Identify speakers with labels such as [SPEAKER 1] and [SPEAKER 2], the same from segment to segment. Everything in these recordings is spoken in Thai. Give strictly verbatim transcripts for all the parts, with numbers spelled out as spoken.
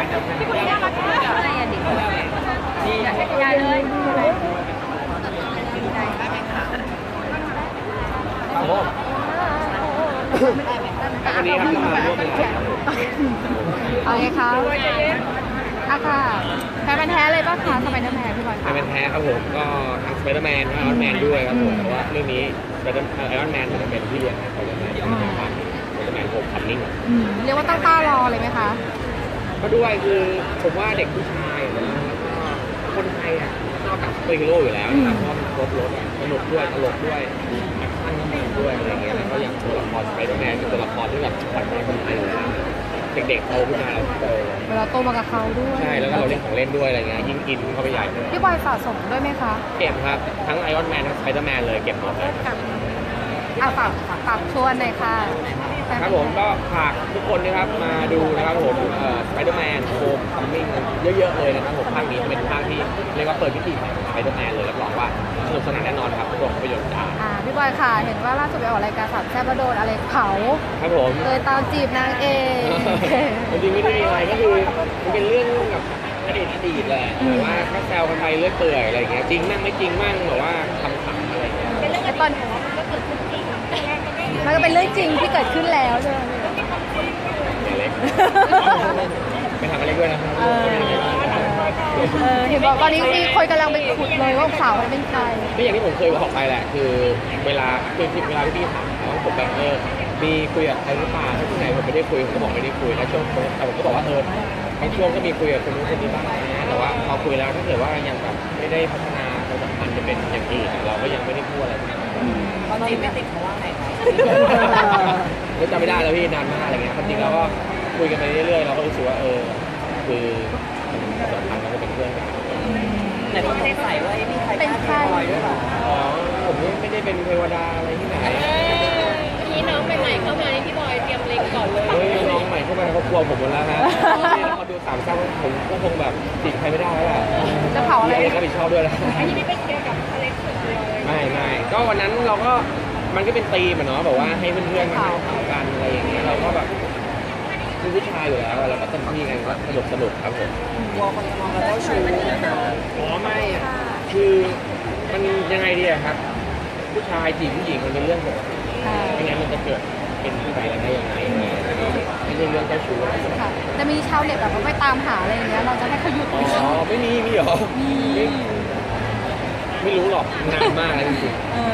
[SPEAKER 1] พี่คนนี้น่ารักมากอะไรอ่ะดิดีอยากให้ยายเลย
[SPEAKER 2] ครับผมวันนี้ครับมาร่วมงาน
[SPEAKER 1] เอาไงคะอ่ะค่ะแฟนมันแท้เลยป่ะคะสไปเดอร์แมนพี่บอยค่ะ
[SPEAKER 2] แฟนมันแท้ครับผมก็ทั้งสไปเดอร์แมนทั้งไอรอนแมนด้วยครับผมเพราะว่าเรื่องนี้ไอรอนแมนจะเป็นที่เรียนสไปเดอร์แมนที่เป็นภาคสไปเดอร์แมนโฮมคัมมิ่ง
[SPEAKER 1] เรียกว่าตั้งตารอเลยไหมคะ
[SPEAKER 2] ก็ด้วยคือผมว่าเด็กผู้ชายแล้วก็คนไทยอ่ะนอกจากซูเปอร์ฮีโร่อยู่แล้วนะครับเพราะมันครบรถสนุกด้วยตลกด้วยแอคชั่นก็มีด้วยอะไรเงี้ยแล้วก็อย่างตัวละครสไปเดอร์แมนเป็นตัวละครที่แบบขวัญใจคนไทยอยู่แล้วเด็กๆโตขึ้นมาเราโต
[SPEAKER 1] เราโตมากับเขาด้วย
[SPEAKER 2] ใช่แล้วก็เราเล่นของเล่นด้วยอะไรเงี้ยยิ่งอินเข้าไปใหญ่เลย
[SPEAKER 1] พี่บอยสะสมด้วยไหมคะ
[SPEAKER 2] เก็บครับทั้งไอรอนแมนทั้งสไปเดอร์แมนเลยเก็บหมดเลย
[SPEAKER 1] อ่ะฝากฝากชวนหน่อยค่ะ
[SPEAKER 2] ครับผมก็ฝากทุกคนนะครับมาดูนะครับผมเอ่อสไปเดอร์แมนโฮมคัมมิ่งเยอะๆเลยนะครับผมภาคนี้เป็นภาคที่เรียกว่าเปิดพิธีใหม่สไปเดอร์แมนเลยรับรองว่าสนุกสนานแน่นอนครับโรงภาพยนตร์จ้า
[SPEAKER 1] อ่าพี่บอยค่ะเห็นว่าล่าสุดไปออกรายการสามแซ่บโดนอะไรเผา
[SPEAKER 2] ครับผม
[SPEAKER 1] เลยตามจีบนางเอก
[SPEAKER 2] จริงๆไม่ได้มีอะไรก็คือมันเป็นเรื่องกับอดีตอดีตแหละแต่ว่าถ้าแซวกันไปเรื่อยเปื่อยอะไรเงี้ยจริงมั่งไม่จริงมั่งแบบว่าคำถามอะไรเงี้ย
[SPEAKER 1] ไอ้ตอนมันก็เป็นเรื่องจริงที่เกิดขึ้นแล้วใช่ไหม
[SPEAKER 2] เล็กไปทำอะไรด้วยนะ
[SPEAKER 1] เห็นบอกตอนนี้มีคนกำลังไปขุดเลยว่าสาวเป็นใคร
[SPEAKER 2] ก็อย่างที่ผมเคยบอกไปแหละคือเวลาคือเวลาที่พี่ถามเขาผมแบบเออมีคุยกับใครหรือเปล่าที่ไหนผมไม่ได้คุยผมก็บอกไม่ได้คุยแล้วช่วงแต่ผมก็บอกว่าเออบางช่วงก็มีคุยกับคนนู้นคนนี้บ้างนะแต่ว่าพอคุยแล้วถ้าเกิดว่ายังแบบไม่ได้พัฒนาความสัมพันธ์จะเป็นอย่างอื่นเราก็ยังไม่ได้พูดอะไร
[SPEAKER 1] ตอนนี้ไม่ติดเขาว่าไง
[SPEAKER 2] ก็จำไม่ได้แล้วพี่นานมากอะไรเงี้ยจริงแล้วก็คุยกันไปเรื่อยๆเราก็รู้สึกว่าเออคือความสัมพันธ์เราก็เป็นเพื่อนกัน
[SPEAKER 1] แต่ก็ไม่ได้ใส่ว่ามีใครเป็นใครด้วยหรอ
[SPEAKER 2] อ๋อผมไม่ได้เป็นเทวดาอะไรที่ไหน
[SPEAKER 1] นี่น้องใหม่ๆเข้ามาในพี่บอยเตรียมเล็งก่อนเลย
[SPEAKER 2] เฮ้ยน้องใหม่เข้ามาเขากลัวผมหมดแล้วฮะพอดูสามซ้ำผมก็คงแบบติดใครไม่ได้แล้วแหละ
[SPEAKER 1] จะเผาอะไร
[SPEAKER 2] รับผิดชอบด้วยนะ
[SPEAKER 1] อันนี้ไม่ไปเคลียร์กับอเล็กซ์เลย
[SPEAKER 2] ไม่ไม่ก็วันนั้นเราก็มันก็เป็นตีมเนาะแบบว่าให้เพื่อนๆมาเข้ากันอะไรอย่างเงี้ยเราก็แบบคือผู้ชายอยู่แล้วเราก็เต็มที่กันก็สนุกสนุกครับผม
[SPEAKER 1] กลัวคนมองเราเจ้าชู้
[SPEAKER 2] อ๋อไม่อ่ะคือมันยังไงดีอะครับผู้ชายจีบผู้หญิงมันเป็นเรื่องปกติไม่งั้นมันจะเกิดเป็นผู้ชายอะไรได้ยังไงไม่ใช่เรื่องเจ้าชู้
[SPEAKER 1] ค่ะจะมีชาวเน็ตแบบไปตามหาอะไรอย่างเงี้ยเราจะให้เขาหยุด
[SPEAKER 2] อ๋อไม่มีมีหรอ
[SPEAKER 1] มี
[SPEAKER 2] ไม่รู้หรอกนานมากเลยจริง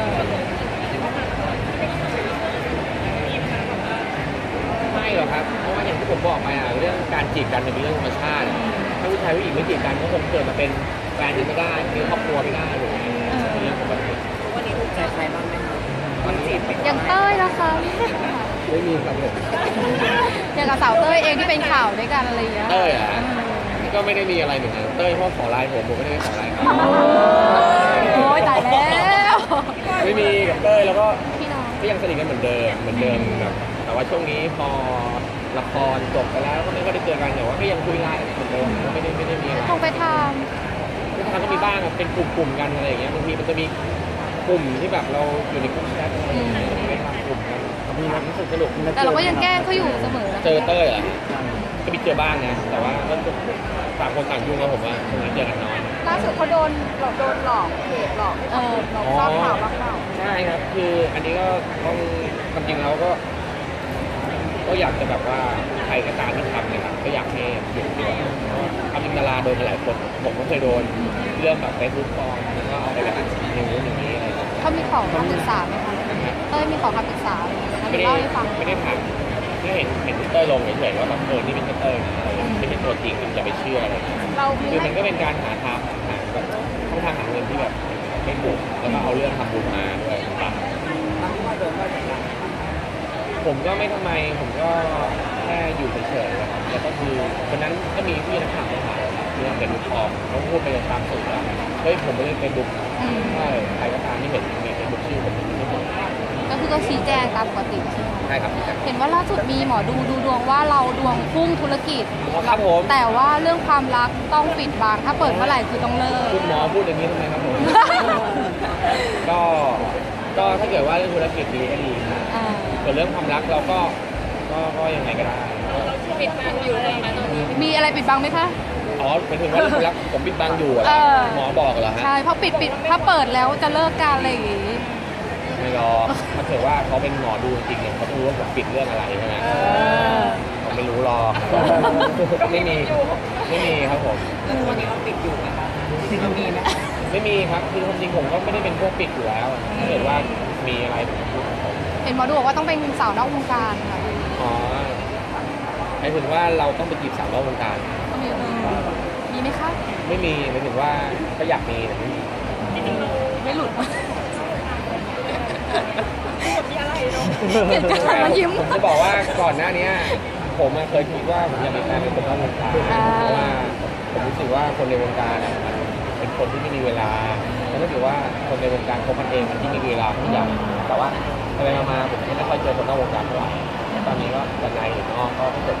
[SPEAKER 2] ไม่หรอกครับเพราะว่าอย่างที่ผมบอกไปอ่ะเรื่องการจีบกันเป็นเรื่องธรรมชาติถ้าผู้ชายผู้หญิงไม่จีบกันก็คงเกิดมาเป็นแฟนกันไม่ได้มีครอบครัวไม่ได้ถูกไหมเป็นเรื่องปกติ
[SPEAKER 1] วันนี้ถูกใจใครบ้างไหมคะวันจีบอย่างเต้ยนะคะ
[SPEAKER 2] ไม่มีครับผม
[SPEAKER 1] อย่างกับสาวเต้ยเองที่เป็นข่าวด้วยกันอะไรอย่างเงี้ย
[SPEAKER 2] เต้ยอ่ะก็ไม่ได้มีอะไรเหมือนกันเต้ยพ่อขอไลน์ผมผมไม่ได้ขอไลน์ครับ
[SPEAKER 1] โอ้ยตายแล้ว
[SPEAKER 2] ไม่มีกับเต้ยแล้วก็ก็ยังสนิทกันเหมือนเดิมเหมือนเดิมแบบแต่ว่าช่วงนี้พอละครจบไปแล้วก็ไม่ได้เจอกันแต่ว่าก็ยังคุยไลน์เหมือนเดิมไม่ได้ไม่ได้มีอะไร
[SPEAKER 1] คงไปท
[SPEAKER 2] ำไปทำก็มีบ้างเป็นกลุ่มๆกันอะไรอย่างเงี้ยบางทีมันจะมีกลุ่มที่แบบเราอยู่ในกลุ่มแชทอะไรอย่างเงี้ยไปทำกลุ่มกันมีความรู้สึกสนุก
[SPEAKER 1] แต่เราก็ยังแกล้งเขาอยู่เสมอ
[SPEAKER 2] เจอเต้ยอ่ะก็มีเจอบ้างนะแต่ว่าก็ต่างคนต่างยุ่งนะผมว่าช่วงนี้เจอกันน้อย
[SPEAKER 1] ล่าสุดเขาโดนหลอกโดนหลอกเพจหลอกเออหลอกทราบข่าวบ้างเปล่า
[SPEAKER 2] ใช่ครับคืออันนี้ก็ต้องความจริงแล้วก็ก็อยากจะแบบว่าใครก็ตามที่ทำเนี่ยครับก็อยากให้หยุดด้วยทำอินดาราโดนหลายคนผมก็เคยโดนเรื่องแบบเฟซบุ๊กปลอมแล้วก็เอาไปแบบอย่างนู้นอย่างนี้อะไร
[SPEAKER 1] เขามีขอคำปรึกษาไหมคะเต้ยมีขอคำปรึกษา
[SPEAKER 2] ไม่ได้ไม่ได้ถามแค่เห็นเห็นเต้ยลงเฉยๆว่าแบบเออนี่เป็นเต้ยนะอะไรไม่เป็นตัวจริงอย่าไปเชื่ออะไรคือมันก็เป็นการหาทางหาแบบช่องทางหาเงินที่แบบไม่ถูกแล้วก็เอาเรื่องทำบุญมาด้วยป่ะผมก็ไม่ทำไมผมก็แค่อยู่เฉยๆนะครับแล้วก็คือวันนั้นก็มีพี่นักข่าวมาถามเรื่องเป็นบุ๊กปลอมเขาพูดไปตามสื่อว่าเฮ้ยผมไม่ได้เป็นบุ๊กใช่ใครก็ตามที่เห็นมีเป็นบุ๊กชื่อผมไม่ถูก
[SPEAKER 1] ก็คือก็ชี้แจงตามปกติ
[SPEAKER 2] ใช่ครับ
[SPEAKER 1] เห็นว่าล่าสุดมีหมอดูดูดวงว่าเราดวงพุ่งธุรกิจ
[SPEAKER 2] ครับผม
[SPEAKER 1] แต่ว่าเรื่องความรักต้องปิดบังถ้าเปิดเมื่อไหร่คือต้องเลิก
[SPEAKER 2] คุณหมอพูดอย่างนี้ทำไมครับผมก็ก็ถ้าเกิดว่าเรื่องธุรกิจดีก็ดีส่วนเรื่องความรักเราก็ก็ก็ยังไงก็ได้
[SPEAKER 1] ปิดบังอยู่เลยนะตอนนี้มีอะไรอะไรปิดบังไหมคะ
[SPEAKER 2] อ๋อหมายถึงว่ารักผมปิดบังอยู่เหรอ
[SPEAKER 1] เออ
[SPEAKER 2] หมอบอกเหรอฮะ
[SPEAKER 1] ใช่เพราะปิดปิดถ้าเปิดแล้วจะเลิกกันอะไรอย่างงี้
[SPEAKER 2] ไม่หรอกถ้าเกิดว่าเขาเป็นหมอดูจริงๆเนี่ยเขาต้องรู้ว่าผมปิดเรื่องอะไรใช่ไหม
[SPEAKER 1] เออ
[SPEAKER 2] เขาไม่รู้หรอกไม่มีไม่มีครับผม
[SPEAKER 3] แล้วตัวนี้เราปิดอยู่ไหมคะเรามีไหม
[SPEAKER 2] ไม่มีครับคือความจริงผมก็ไม่ได้เป็นพวกปิดอยู่แล้วถ้าเกิดว่ามีอะไรผมพูดกับผม
[SPEAKER 1] เห็นหมอดูบอกว่าต้องเป็นสาวนอกวงการค่ะ
[SPEAKER 2] อ๋อหมายถึงว่าเราต้องไปจีบสาวนอกวงการ
[SPEAKER 1] ต้องมีเออมีไหมคะ
[SPEAKER 2] ไม่มีหมายถึงว่าก็อยากมีแต่ไม่มี
[SPEAKER 1] ไม่หลุด
[SPEAKER 3] มีอะไรเนาะ
[SPEAKER 1] เกลียดกันแล้วยิ้ม
[SPEAKER 2] ผมจะบอกว่าก่อนหน้านี้ผมอะเคยคิดว่าผมอยากมีแฟนเป็นคนนอกวงการ
[SPEAKER 1] อ่า
[SPEAKER 2] เพราะว่าผมรู้สึกว่าคนในวงการอะมันเป็นคนที่ไม่มีเวลาแล้วถ้าเกิดว่าคนในวงการคบกันเองมันที่มีเวลาทุกอย่างแต่ว่าไปๆมาๆผมก็ไม่ค่อยเจอคนนอกวงการเท่าไหร่ตอนนี้ก็วันในหรือนอกก็ถ้าเกิด